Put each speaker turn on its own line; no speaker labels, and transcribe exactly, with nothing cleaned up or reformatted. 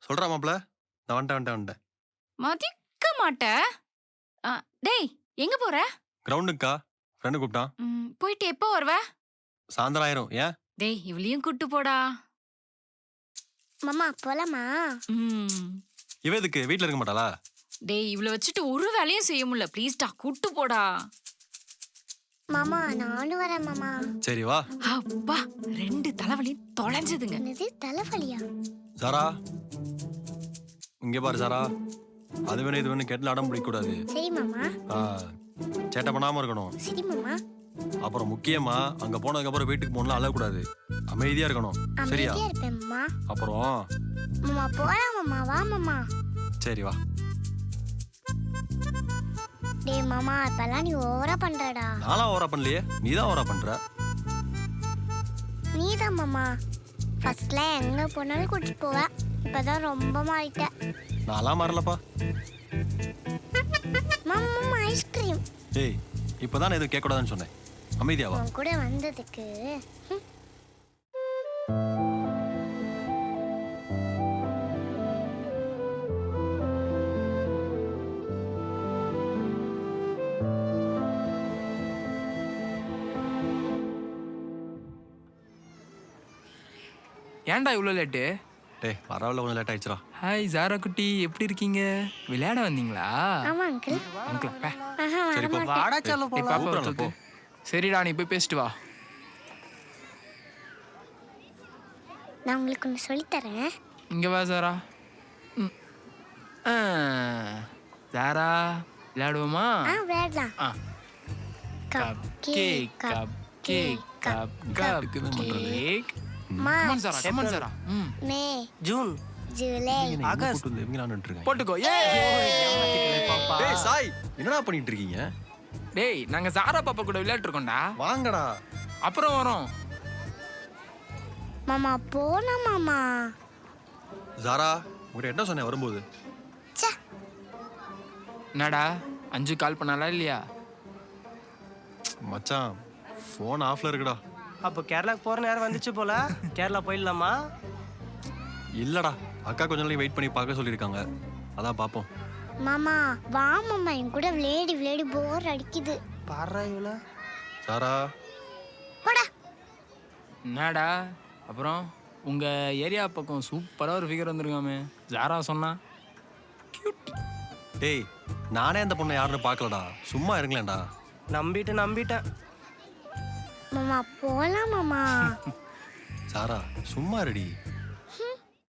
சொல்றா மாப்ள. நான் வந்துட்டேன் வந்துட்டேன் வந்துட்டேன்.
மதிக்க மாட்ட. அ, டேய் எங்க போற?
கிரவுண்டுக்கா ஃப்ரெண்டு கூப்பிட்டான்.
ம், போயிட்டு எப்போ வருவ?
சாயந்தரம் ஆயிரும். ஏன்?
டேய் இவளையும் கூட்டு போடா.
மாமா போலாமா?
ம்.
இவ எதுக்கு வீட்ல இருக்க மாட்டாளா?
டேய் இவள வச்சுட்டு ஒரு வேலையும் செய்ய முடியல. ப்ளீஸ்டா கூட்டு போடா.
மாமா நானும் வரேன் மாமா.
சரி வா.
அப்பா ரெண்டு தலைவலி தொலைஞ்சதுங்க.
என்னது தலைவலியா?
சாரா இங்க பாரு சாரா. அது வேணும் இது வேணும் கேட்டு அடம் பிடிக்க கூடாது.
சரி மாமா.
ஆ, சேட்டை பண்ணாம இருக்கணும்.
சரி மாமா.
அப்புறம் முக்கியமா அங்க போனதுக்கு அப்புறம் வீட்டுக்கு போகணும் அழக்கூடாது. அமைதியா இருக்கணும். சரியா?
அமைதியா இருப்பேன் மாமா.
அப்புறம்
மாமா போலாம் மாமா. வா மாமா.
சரி வா.
டேய் மாமா இப்பெல்லாம் நீ ஓவரா பண்றடா.
நான்லாம் ஓவரா பண்ணலையே, நீ தான் ஓவரா பண்ற.
நீதான் மாமா. ஃபர்ஸ்ட்ல எங்க போனாலும் கூட்டிட்டு போவ. இப்பதான் ரொம்ப மாறிட்ட.
நான்லாம் மாறலப்பா.
மாமா மாமா ஐஸ்கிரீம்.
ஏய் இப்பதான் எதுவும் கேட்க கூடாதுன்னு சொன்னேன். அமைதியாவா.
உன் கூட வந்ததுக்கு ம்.
ஏன்டா இவ்வளோ லேட்டு?
டேய் பரவாயில்ல, கொஞ்சம் லேட் ஆயிடுச்சுடா.
ஹாய் ஜாரா குட்டி, எப்படி இருக்கீங்க? விளையாட வந்தீங்களா?
ஆமா அங்கிள்.
அங்கிள் பே.
ஆஹா
சரி, போ.
வரமாட்டேன்.
வாடா செல்ல
ஏய்,
போலாம்.
பாப்பா
கூப்பிடுறேன்,
தூக்கு. சரிடா நீ போய் பேசிட்டு வா.
நான் உங்களுக்கு ஒன்று சொல்லித்தரேன்.
இங்க வா ஜாரா. ம். ஆ. ஜாரா விளையாடுவோமா?
ஆ விளையாடலாம்.
ஆ. Cup cake cup cake cup cup cake. Come on Zara, come on Zara. ம்.
May
June
July
August.
இவங்க விளையாண்டுட்டு இருக்காங்க.
போட்டுக்கோ. ஏய் பாப்பா.
டேய் சாய், என்னடா பண்ணிட்டு இருக்கீங்க?
டேய் நாங்க ஜாரா பாப்பா கூட விளையாட்டு இருக்கோம்டா.
வாங்கடா.
அப்புறம் வரோம்.
மாமா போலாம் மாமா.
ஜாரா உங்ககிட்ட என்ன சொன்னேன் வரும்போது?
ச்சே
என்னடா அஞ்சு கால் பண்ணாலா இல்லையா?
மச்சான் ஃபோன் ஆஃப்ல இருக்குடா.
அப்போ கேரளாக்கு போற நேரம் வந்துச்சு போல. கேரளா போயிடலாமா?
இல்லடா, அக்கா கொஞ்ச நாளைக்கு வெயிட் பண்ணி பார்க்க சொல்லியிருக்காங்க. அதான் பார்ப்போம்.
மாமா வா மாமா, என் கூட விளையாடி விளையாடி போர் அடிக்குது.
பாடுறா இவ்வளோ.
சாரா
போடா.
என்னடா அப்புறம் உங்க ஏரியா பக்கம் சூப்பரா ஒரு ஃபிகர் வந்திருக்காமே, ஜாரா சொன்னா.
டேய் நானே அந்த பொண்ணை யாருன்னு பார்க்கலடா. சும்மா இருங்களேன்டா.
நம்பிட்டு நம்பிட்டேன்.
மாமா போலாம் மாமா.
சாரா சும்மா ரெடி.